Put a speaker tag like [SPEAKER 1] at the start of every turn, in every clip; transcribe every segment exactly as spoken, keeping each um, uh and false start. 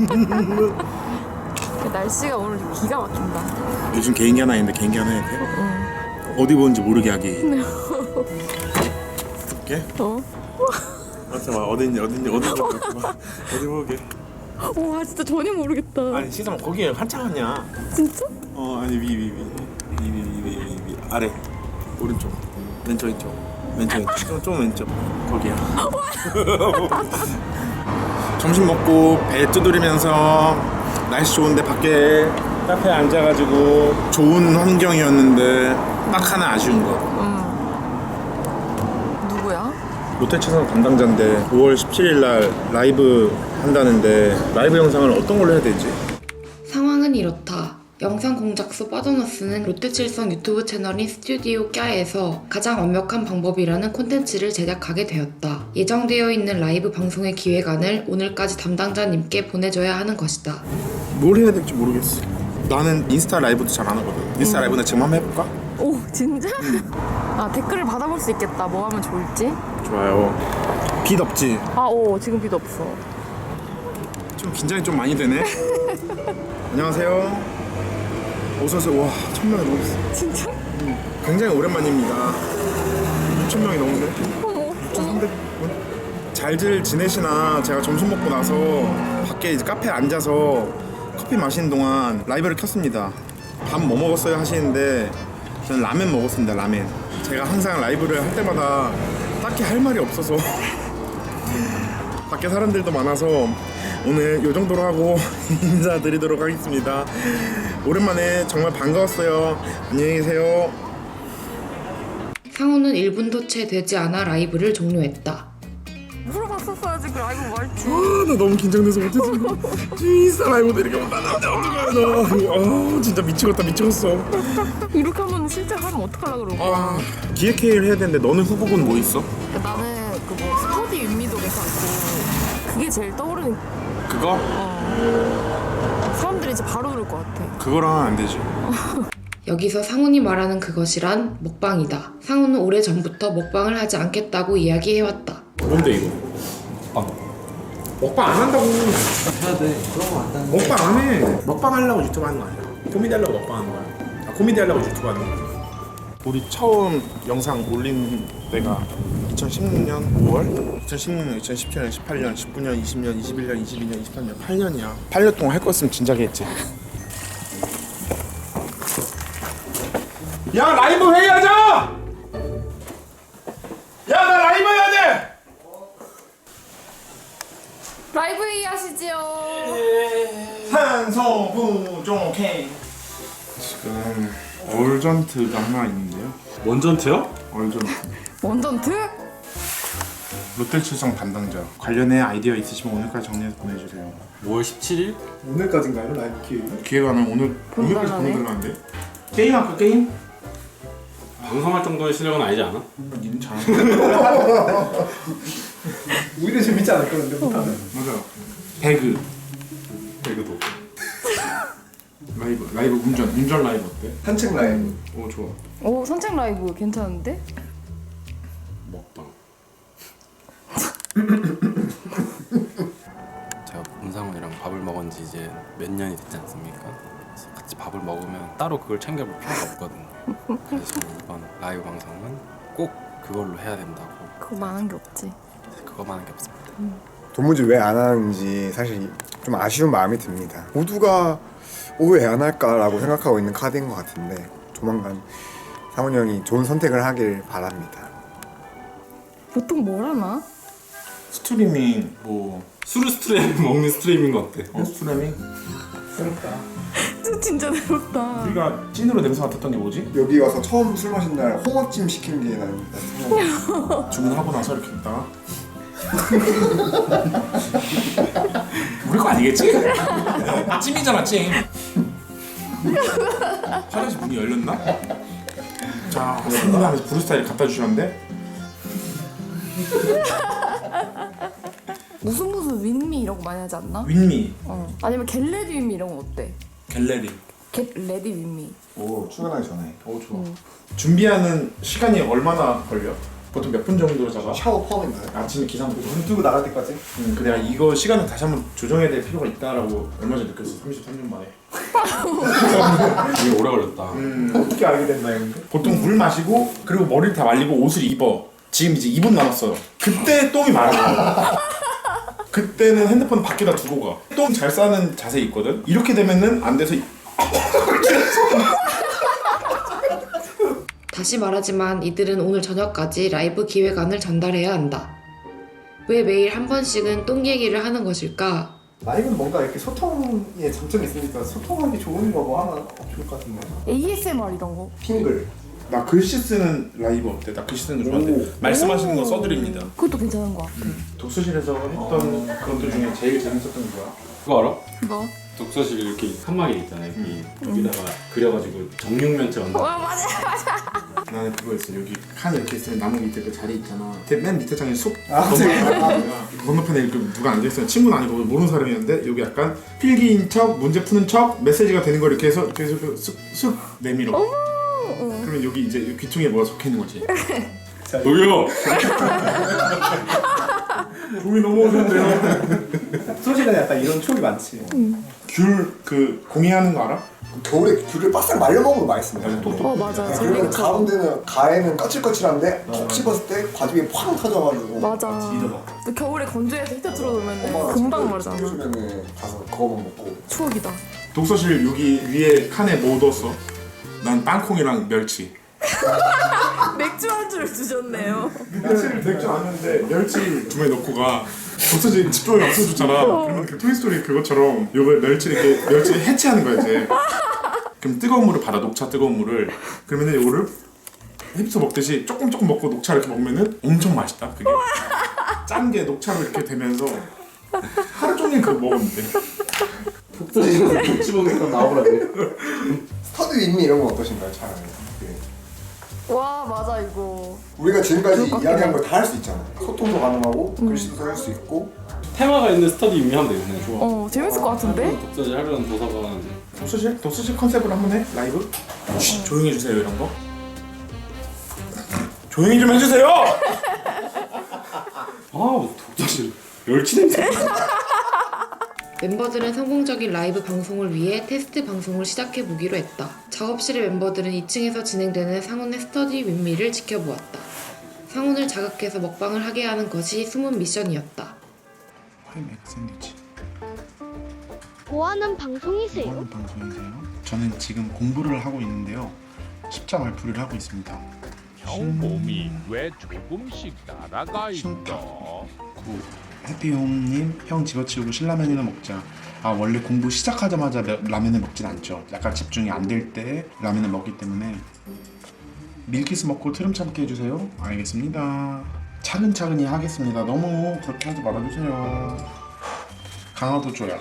[SPEAKER 1] 날씨가 오늘 기가 막힌다.
[SPEAKER 2] 요즘 개인기 하나 있는데 개인기 하나 해도 돼?
[SPEAKER 1] 응.
[SPEAKER 2] 어디 보는지 모르게 하기. 이렇게?
[SPEAKER 1] 어?
[SPEAKER 2] 맞아, 봐. 어딘지 어딘지 어딘지 모르게. 어디 보게.
[SPEAKER 1] 와 진짜 전혀 모르겠다.
[SPEAKER 2] 아니 시선 거기에 한참 하냐?
[SPEAKER 1] 진짜?
[SPEAKER 2] 어 아니 위 위 위 위 위 위 위 위 아래 오른쪽 왼쪽 왼쪽 왼쪽 왼쪽 좀, 좀 왼쪽 거기야. 점심 먹고 배 두드리면서 날씨 좋은데 밖에 카페에 앉아가지고 좋은 환경이었는데 딱 하나 아쉬운 거.
[SPEAKER 1] 응. 누구야?
[SPEAKER 2] 롯데채성 담당자인데 오월 십칠일 날 라이브 한다는데 라이브 영상을 어떤 걸로 해야 되지?
[SPEAKER 3] 상황은 이렇다. 영상 공작소 빠져너스는 롯데칠성 유튜브 채널인 스튜디오 꺄에서 가장 완벽한 방법이라는 콘텐츠를 제작하게 되었다. 예정되어 있는 라이브 방송의 기획안을 오늘까지 담당자님께 보내줘야 하는 것이다.
[SPEAKER 2] 뭘 해야 될지 모르겠어. 나는 인스타 라이브도 잘 안 하거든. 인스타
[SPEAKER 1] 음.
[SPEAKER 2] 라이브나 지금 한번 해볼까?
[SPEAKER 1] 오 진짜? 아 댓글을 받아볼 수 있겠다. 뭐 하면 좋을지.
[SPEAKER 2] 좋아요. 빛 없지?
[SPEAKER 1] 아오 지금 빛 없어.
[SPEAKER 2] 좀 긴장이 좀 많이 되네. 안녕하세요. 어서오세요. 와 천명이 넘었어.
[SPEAKER 1] 진짜?
[SPEAKER 2] 음, 굉장히 오랜만입니다. 육천 명이 넘었네.
[SPEAKER 1] 어머.
[SPEAKER 2] 육천삼백 분. 잘들 지내시나. 제가 점심 먹고 나서 밖에 이제 카페에 앉아서 커피 마시는 동안 라이브를 켰습니다. 밥 뭐 먹었어요 하시는데 저는 라멘 먹었습니다. 라멘. 제가 항상 라이브를 할 때마다 딱히 할 말이 없어서 밖에 사람들도 많아서 오늘 요 정도로 하고 인사드리도록 하겠습니다. 오랜만에 정말 반가웠어요. 안녕히 계세요.
[SPEAKER 3] 상호는 일 분도 채 되지 않아 라이브를 종료했다.
[SPEAKER 1] 물어봤었어야지 그 라이브 뭐 할지.
[SPEAKER 2] 아, 나 너무 긴장돼서 못했어. 인스타 라이브도 이렇게 못하는데 어떡해. 나 아, 진짜 미치겠다 미치겠어.
[SPEAKER 1] 이렇게 하면 실제 하면 어떡하려고 그러고.
[SPEAKER 2] 아, 기획회의를 해야 되는데 너는 후보군 뭐 있어?
[SPEAKER 1] 나는 그 뭐 스터디 윗미도 괜찮고 그게 제일 떠오르는.
[SPEAKER 2] 그거?
[SPEAKER 1] 어. 사람들이 이제 바로 그럴 것 같아.
[SPEAKER 2] 그거랑 안 되지.
[SPEAKER 3] 여기서 상훈이 말하는 그것이란 먹방이다. 상훈은 오래전부터 먹방을 하지 않겠다고 이야기해왔다.
[SPEAKER 2] 뭔데 이거? 먹방. 먹방 안 한다고.
[SPEAKER 4] 해야 돼. 그런 거 안 하는
[SPEAKER 2] 먹방 안 해. 먹방 하려고 유튜브 하는 거 아니야. 코미디 하려고 먹방 하는 거야. 아, 코미디 하려고 유튜브 하는 거야. 우리 처음 영상 올린 때가 이천십육년 오월? 이천십육년, 이천십칠년, 십팔년, 십구년, 이십년, 이십일년, 이십이년, 이십삼년, 팔 년이야. 팔 년 동안 할 거 있으면 진작에 했지. 야, 라이브 회의하자! 야, 나 라이브 해야 돼!
[SPEAKER 1] 라이브 회의 하시지요.
[SPEAKER 2] 산소 부족해. 지금 얼전트가 하나 있는데요.
[SPEAKER 4] 원전트요?
[SPEAKER 2] 얼전트.
[SPEAKER 1] 원전트?
[SPEAKER 2] 롯데칠성 담당자 관련해 아이디어 있으시면 오늘까지 정리해서 보내주세요.
[SPEAKER 4] 오월 십칠일?
[SPEAKER 5] 오늘까지인가요? 라이브 기획이?
[SPEAKER 2] 기획안은 오늘 오늘까지
[SPEAKER 1] 보내달라네.
[SPEAKER 2] 보내달라는데. 게임 할까 게임?
[SPEAKER 4] 방송할 정도의 실력은 아니지 않아?
[SPEAKER 2] 니는 잘.
[SPEAKER 5] 오히려 재밌지 않을까 근데 못하면.
[SPEAKER 2] 맞아요. 배그.
[SPEAKER 4] 배그도.
[SPEAKER 2] 라이브 라이브 운전 운전 라이브 어때?
[SPEAKER 5] 산책 라이브.
[SPEAKER 2] 오 좋아.
[SPEAKER 1] 오 산책 라이브 괜찮은데?
[SPEAKER 4] 먹방. 제가 문상훈이랑 밥을 먹은 지 이제 몇 년이 됐지 않습니까? 그래서 같이 밥을 먹으면 따로 그걸 챙겨볼 필요가 없거든요. 그래서 이번 라이브 방송은 꼭 그걸로 해야 된다고.
[SPEAKER 1] 그거만한 게 없지.
[SPEAKER 4] 그거만 한 게 없습니다.
[SPEAKER 6] 도무지 왜 안 하는지 사실 좀 아쉬운 마음이 듭니다. 모두가 왜 안 할까라고 생각하고 있는 카드인 것 같은데 조만간 상훈이 형이 좋은 선택을 하길 바랍니다.
[SPEAKER 1] 보통 뭘 하나?
[SPEAKER 2] 스트리밍 뭐
[SPEAKER 4] 수루 스트리밍 먹는 스트리밍 어때?
[SPEAKER 2] 어, 스트리밍?
[SPEAKER 5] 새롭다.
[SPEAKER 1] 진짜 진짜 내롭다.
[SPEAKER 2] 우리가 찐으로 냄새 맡았던 게 뭐지?
[SPEAKER 6] 여기 와서 처음 술 마신 날 홍어찜 시킨 게 난 생각나.
[SPEAKER 2] 주문하고 나서 이렇게 있다가 우리 거 아니겠지? 찜이잖아 찜. 화장실 문이 열렸나? 자, 승리하면서 브루스타일 갖다 주셨는데
[SPEAKER 1] 무슨 무슨 윈미 이런 거 많이 하지 않나?
[SPEAKER 2] 윈미,
[SPEAKER 1] 어. 아니면 겟레디 윈미 이런 거 어때?
[SPEAKER 2] 갤러리.
[SPEAKER 1] 겟레디 윈미.
[SPEAKER 6] 오 출근하기 전에.
[SPEAKER 2] 오 좋아. 준비하는 시간이 얼마나 걸려? 보통 몇 분 정도 잡아?
[SPEAKER 6] 샤워 포함인가요?
[SPEAKER 2] 아침에 기상 보고
[SPEAKER 5] 눈 뜨고 나갈 때까지?
[SPEAKER 2] 음, 그 내가 이거 시간을 다시 한번 조정해야 될 필요가 있다라고 얼마 전에 느꼈어. 삼십삼 년 만에.
[SPEAKER 4] 되게 오래 걸렸다.
[SPEAKER 2] 음,
[SPEAKER 5] 어떻게 알게 됐나요 근데?
[SPEAKER 2] 보통 물 마시고 그리고 머리를 다 말리고 옷을 입어. 지금 이제 이 분 남았어요. 그때 똥이 많아. 그때는 핸드폰 밖에다 두고 가. 똥 잘 싸는 자세 있거든. 이렇게 되면은 안 돼서
[SPEAKER 3] 다시 말하지만 이들은 오늘 저녁까지 라이브 기획안을 전달해야 한다. 왜 매일 한 번씩은 똥 얘기를 하는 것일까?
[SPEAKER 5] 라이브는 뭔가 이렇게 소통에 장점이 있으니까 소통하기 좋은 거 뭐 하나 좋을 것 같은데.
[SPEAKER 1] 에이에스엠알 이런 거.
[SPEAKER 5] 핑글.
[SPEAKER 2] 나 글씨 쓰는 라이브 어때? 나 글씨 쓰는 거 좋아하는데 말씀하시는 거 써드립니다.
[SPEAKER 1] 그것도 괜찮은 것 같아.
[SPEAKER 2] 독서실에서 했던 것들 중에 제일 재밌었던 게 뭐야?
[SPEAKER 4] 그거 알아?
[SPEAKER 1] 뭐?
[SPEAKER 4] 독서실 이렇게 칸막이 있잖아요. 여기 여기다가 그려가지고 정육면체
[SPEAKER 1] 어
[SPEAKER 4] 만들어.
[SPEAKER 1] 맞아.
[SPEAKER 2] 나는 그거 있어. 여기 칸 이렇게 있으면 나무 밑에 그 자리 있잖아. 근데 맨 밑에 장에 숲
[SPEAKER 5] 아,
[SPEAKER 2] 건너편에 건너편에 이렇게 누가 앉아있어요. 친구는 아니고 모르는 사람이었는데 여기 약간 필기인 척, 문제 푸는 척, 메시지가 되는 걸 이렇게 해서 이렇게 해서 쓱쓱 내밀어. 그러면 여기 이제 이 귀퉁이에 뭐가 적혀 있는 거지.
[SPEAKER 4] 뭐요?
[SPEAKER 2] 봄이 넘어오는데요.
[SPEAKER 5] 소실은 약간 이런 추억이 많지.
[SPEAKER 2] 귤 그 공예하는 거 알아?
[SPEAKER 6] 겨울에 귤을 바싹 말려 먹으면 맛있습니다.
[SPEAKER 1] 어 맞아.
[SPEAKER 6] 그러면
[SPEAKER 1] 재밌죠.
[SPEAKER 6] 가운데는 가에는 까칠까칠한데 톡 씹었을 때 과즙이 팡 터져가지고
[SPEAKER 1] 맞아. 또 겨울에 건조해서 히터 틀어놓으면 금방 마르잖아.
[SPEAKER 6] 요즘에는 가서 그거만 먹고
[SPEAKER 1] 추억이다.
[SPEAKER 2] 독서실 여기 위에 칸에 뭐 넣었어? 난 땅콩이랑 멸치.
[SPEAKER 1] 맥주 한 줄을 주셨네요.
[SPEAKER 2] 멸치를 맥주 아는데 멸치 주머니 넣고 가. 독서실 집중이 없어졌잖아. 그러면 그 토이스토리 그것처럼 요거 멸치 이렇게 멸치 해체하는 거야 이제. 그럼 뜨거운 물을 받아 녹차 뜨거운 물을. 그러면은 요거를 힙스 먹듯이 조금 조금 먹고 녹차 이렇게 먹으면은 엄청 맛있다 그게. 짠 게 녹차로 이렇게 되면서 하루 종일 그거 먹었는데.
[SPEAKER 5] 독서실에서 독지 먹으니까 나오라고.
[SPEAKER 6] 스터디 윗미 이런 건 어떠신가요? 차라리 그
[SPEAKER 1] 와 맞아 이거.
[SPEAKER 6] 우리가 지금까지
[SPEAKER 1] 그럴 것 같긴
[SPEAKER 6] 이야기한
[SPEAKER 1] 해.
[SPEAKER 6] 걸 다 할 수 있잖아요. 소통도 가능하고 글씨도 써 할 수 있고
[SPEAKER 4] 테마가 있는 스터디 의미하면 되겠네. 좋아.
[SPEAKER 1] 어 재밌을 것 같은데?
[SPEAKER 4] 독서실 하려는 도서관.
[SPEAKER 2] 독서실? 독서실 컨셉으로 한번 해? 라이브? 쉬, 조용히 해주세요 이런 거. 조용히 좀 해주세요!
[SPEAKER 4] 아 독서실 멸치 냄새.
[SPEAKER 3] 멤버들은 성공적인 라이브 방송을 위해 테스트 방송을 시작해 보기로 했다. 작업실의 멤버들은 이 층에서 진행되는 상훈의 스터디 윗미를 지켜보았다. 상훈을 자극해서 먹방을 하게 하는 것이 숨은 미션이었다.
[SPEAKER 2] 파이 맥 샌드위치.
[SPEAKER 7] 뭐 하는 방송이세요?
[SPEAKER 2] 하는 방송이세요? 저는 지금 공부를 하고 있는데요. 십자 말풀이를 하고 있습니다.
[SPEAKER 8] 형 몸이 왜 조금씩 날아가 있어?
[SPEAKER 2] 구 해피홈님, 형 집어치우고 신라면이나 먹자. 아 원래 공부 시작하자마자 라- 라면을 먹진 않죠. 약간 집중이 안 될 때 라면을 먹기 때문에 밀키스 먹고 트름 참게 해주세요. 알겠습니다. 차근차근히 하겠습니다. 너무 그렇게 하지 말아주세요. 강화도 조약.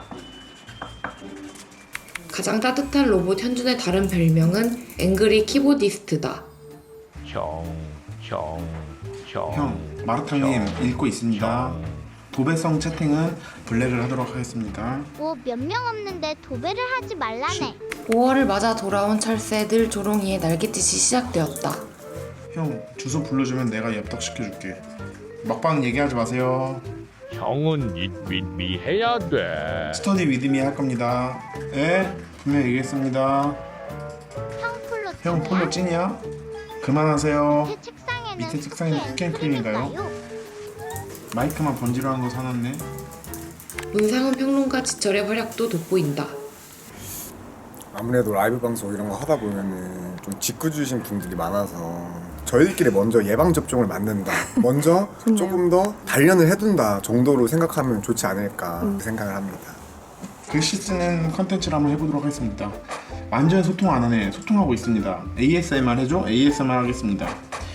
[SPEAKER 3] 가장 따뜻한 로봇 현준의 다른 별명은 앵그리 키보디스트다.
[SPEAKER 8] 형, 형, 형.
[SPEAKER 2] 형, 마라탕님 읽고 있습니다. 도배성 채팅은 블랙을 하도록 하겠습니다.
[SPEAKER 7] 뭐 몇 명 없는데 도배를 하지 말라네.
[SPEAKER 3] 오월을 맞아 돌아온 철새 늘 조롱이의 날갯짓이 시작되었다.
[SPEAKER 2] 형, 주소 불러주면 내가 엽떡시켜줄게. 막방 얘기하지 마세요.
[SPEAKER 8] 형은 윗윗미 해야 돼.
[SPEAKER 2] 스터디 위드미 할 겁니다. 예? 분명히 얘기했습니다.
[SPEAKER 7] 형 폴로
[SPEAKER 2] 형
[SPEAKER 7] 찐이야?
[SPEAKER 2] 폴로 찐이야? 그만하세요.
[SPEAKER 7] 밑에 책상에는
[SPEAKER 2] 밑에 책상에는
[SPEAKER 7] 스킨
[SPEAKER 2] 스캔크림인가요?
[SPEAKER 7] 앤크림일까요?
[SPEAKER 2] 마이크만 번지르한 거 사놨네.
[SPEAKER 3] 문상훈 평론가 지철의 활약도 돋보인다.
[SPEAKER 6] 아무래도 라이브 방송 이런 거 하다 보면은 좀 짓궂으신 분들이 많아서 저희들끼리 먼저 예방 접종을 맞는다. 먼저 조금 더 단련을 해둔다 정도로 생각하면 좋지 않을까 그 생각을 합니다.
[SPEAKER 2] 글씨 쓰는 컨텐츠를 한번 해보도록 하겠습니다. 완전 소통 안 하네. 소통하고 있습니다. 에이에스엠알 해줘? 에이에스엠알 하겠습니다.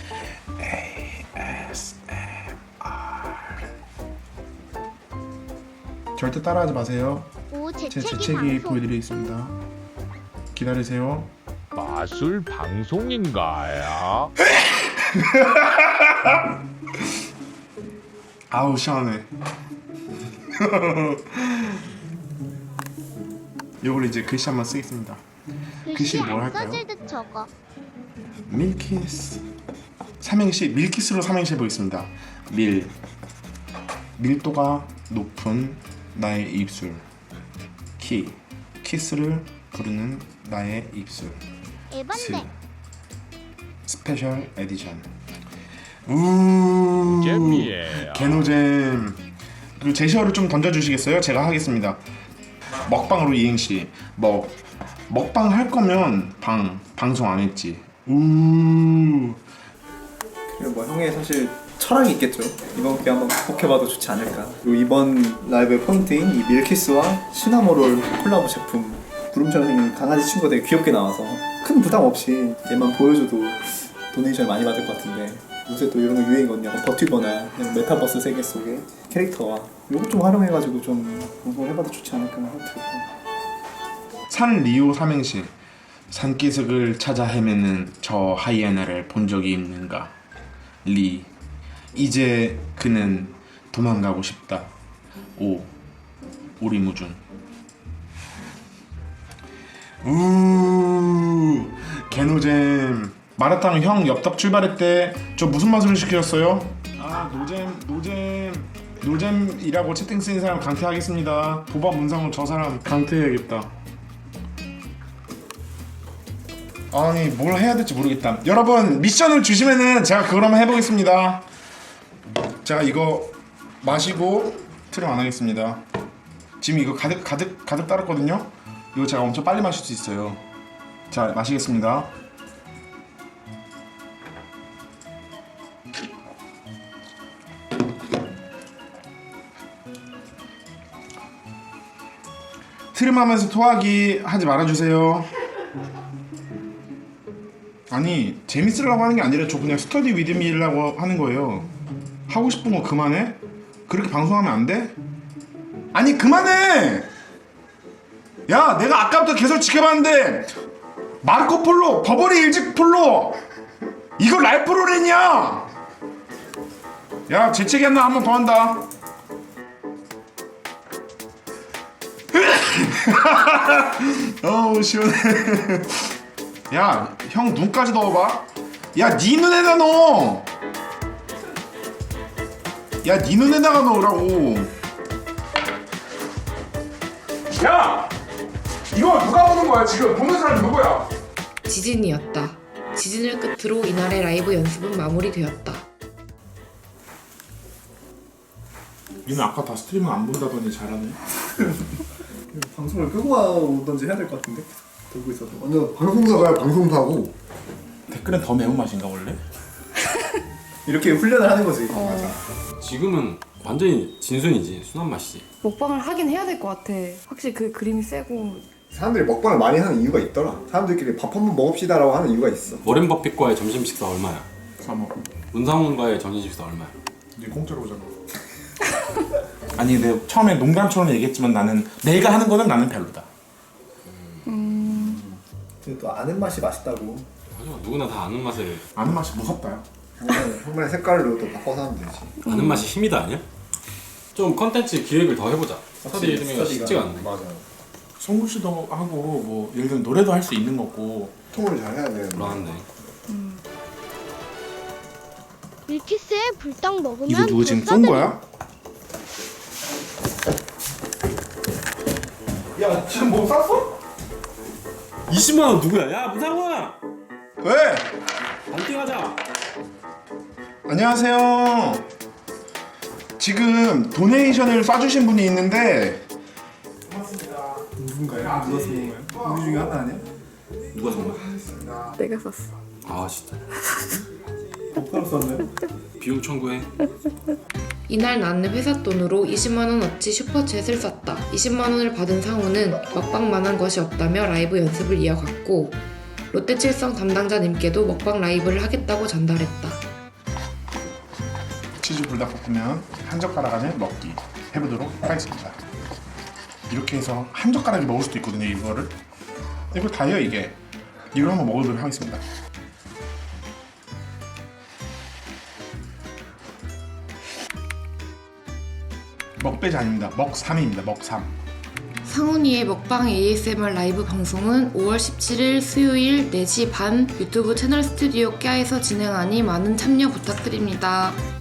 [SPEAKER 2] 절대 따라하지 마세요.
[SPEAKER 7] 오
[SPEAKER 2] 제
[SPEAKER 7] 재채기
[SPEAKER 2] 재채기
[SPEAKER 7] 방송.
[SPEAKER 2] 보여드리겠습니다. 기다리세요.
[SPEAKER 8] 마술 방송인가요?
[SPEAKER 2] 아우 시원해. 이걸 이제 글씨 한번 쓰겠습니다.
[SPEAKER 7] 글씨
[SPEAKER 2] 글씨를 뭘
[SPEAKER 7] 안
[SPEAKER 2] 할까요?
[SPEAKER 7] 써질 듯 적어.
[SPEAKER 2] 밀키스 삼행시 밀키스로 삼행시 해보겠습니다. 밀 밀도가 높은 나의 입술. 키 키스를 부르는 나의 입술. 스
[SPEAKER 7] 에반데.
[SPEAKER 2] 스페셜 에디션. 우
[SPEAKER 8] 잼이에요.
[SPEAKER 2] 개노잼. 그 제시어를 좀 던져주시겠어요? 제가 하겠습니다. 먹방으로 이행시. 먹 먹방 할 거면 방 방송 안 했지. 우
[SPEAKER 5] 그리고 뭐 형의 사실 철학이 있겠죠. 이번 기회 한번 극복해봐도 좋지 않을까. 그리고 이번 라이브의 포인트인 이 밀키스와 시나모롤 콜라보 제품. 구름처럼 생긴 강아지 친구가 되게 귀엽게 나와서 큰 부담 없이 얘만 보여줘도 도네이션을 많이 받을 것 같은데, 요새 또 이런 거 유행이거든요. 약간 버튜버나 그냥 메타버스 세계 속의 캐릭터와 요거 좀 활용해가지고 좀 방송을 해봐도 좋지 않을까 생각이 들고.
[SPEAKER 2] 산 리오 삼행시. 산기슭을 찾아 헤매는 저 하이에나를 본 적이 있는가. 리 이제 그는 도망가고 싶다. 오 오리무중. 우 개노잼. 마라탕 형 엽떡 출발했대. 저 무슨 맛으로 시켰어요? 아 노잼 노잼 노잼이라고 채팅 쓰는 사람 강퇴하겠습니다. 보바 문상으로 저 사람 강퇴해야겠다. 아니 뭘 해야 될지 모르겠다. 여러분 미션을 주시면은 제가 그걸 한번 해보겠습니다. 제가 이거 마시고 트림 안 하겠습니다. 지금 이거 가득 가득 가득 따랐거든요. 이거 제가 엄청 빨리 마실 수 있어요. 자 마시겠습니다. 트림하면서 토하기 하지 말아주세요. 아니 재밌으려고 하는 게 아니라 저 그냥 스터디 위드미라고 하는 거예요. 하고 싶은 거 그만해? 그렇게 방송하면 안 돼? 아니 그만해! 야 내가 아까부터 계속 지켜봤는데 마르코 폴로, 버버리 일직 폴로 이거 랄프로렌이야! 야 재채기 한다. 한 번 더 한다. 어우 시원해. 야 형 눈까지 넣어봐. 야 네 눈에다 넣어. 야 네 눈에다가 넣으라고. 야 이거 누가 보는 거야 지금? 보는 사람 누구야?
[SPEAKER 3] 지진이었다. 지진을 끝으로 이날의 라이브 연습은 마무리되었다.
[SPEAKER 2] 니는 아까 다 스트리밍 안 본다더니 잘하네.
[SPEAKER 5] 방송을 끄고 오던지 해야 될 것 같은데 들고 있어도.
[SPEAKER 6] 완전 방송사가 방송사고.
[SPEAKER 2] 댓글은 더 매운맛인가 원래?
[SPEAKER 5] 이렇게 훈련을 하는 거지.
[SPEAKER 4] 지금은 완전히 진순이지. 순한 맛이지.
[SPEAKER 1] 먹방을 하긴 해야 될 것 같아. 확실히 그 그림이 세고.
[SPEAKER 6] 사람들이 먹방을 많이 하는 이유가 있더라. 사람들끼리 밥 한번 먹읍시다라고 하는 이유가 있어.
[SPEAKER 4] 워렌 버핏과의 점심 식사 얼마야?
[SPEAKER 2] 삼억.
[SPEAKER 4] 문상훈과의 점심 식사 얼마야?
[SPEAKER 2] 니 공짜로 오잖아. 아니 내가 처음에 농담처럼 얘기했지만 나는 내가 하는 거는 나는 별로다.
[SPEAKER 5] 근데 또 아는 맛이 맛있다고.
[SPEAKER 4] 맞아, 누구나 다 아는 맛을.
[SPEAKER 2] 아는 맛이 무섭다.
[SPEAKER 6] 형만의, 형만의 색깔로 또 바꿔서 하면 되지.
[SPEAKER 4] 아는 맛이 힘이다 아니야? 좀 컨텐츠 기획을 더 해보자. 스터디
[SPEAKER 5] 스터디가
[SPEAKER 4] 이름이 쉽지가 않네.
[SPEAKER 6] 맞아.
[SPEAKER 2] 송구 씨도 하고 뭐 예를 들면 노래도 할 수 있는 거고.
[SPEAKER 6] 통을 잘 해야 되는데.
[SPEAKER 4] 불안한데.
[SPEAKER 7] 밀키스에 불떡 먹으면
[SPEAKER 2] 이거 누구 지금
[SPEAKER 7] 더
[SPEAKER 2] 쏜
[SPEAKER 7] 써드림.
[SPEAKER 2] 거야? 야 지금 뭐 쐈어?
[SPEAKER 4] 이십만 원 누구야? 야 문상훈아!
[SPEAKER 2] 왜?
[SPEAKER 4] 반띵하자.
[SPEAKER 2] 안녕하세요. 지금 도네이션을 쏴주신 분이 있는데. 고맙습니다.
[SPEAKER 5] 누군가요? 누가 쓴 건가요? 우리 중에 하나 아니야?
[SPEAKER 4] 누가 쏜 거야?
[SPEAKER 1] 내가 썼어.
[SPEAKER 4] 아 진짜.
[SPEAKER 5] 복사로 썼나요?
[SPEAKER 4] 비용 청구해.
[SPEAKER 3] 이날 나는 회사 돈으로 이십만 원어치 슈퍼챗을 썼다. 이십만 원을 받은 상우는 먹방만한 것이 없다며 라이브 연습을 이어갔고 롯데칠성 담당자님께도 먹방 라이브를 하겠다고 전달했다.
[SPEAKER 2] 치즈 불닭볶음면 한 젓가락 안에 먹기 해보도록 하겠습니다. 이렇게 해서 한 젓가락이 먹을 수도 있거든요. 이거를 이걸 다 해요. 이게 이걸 한번 먹어보도록 하겠습니다. 먹배지 아닙니다. 먹삼입니다. 먹삼.
[SPEAKER 3] 상훈이의 먹방 에이에스엠알 라이브 방송은 오월 십칠일 수요일 네 시 반 유튜브 채널 스튜디오 꺄에서 진행하니 많은 참여 부탁드립니다.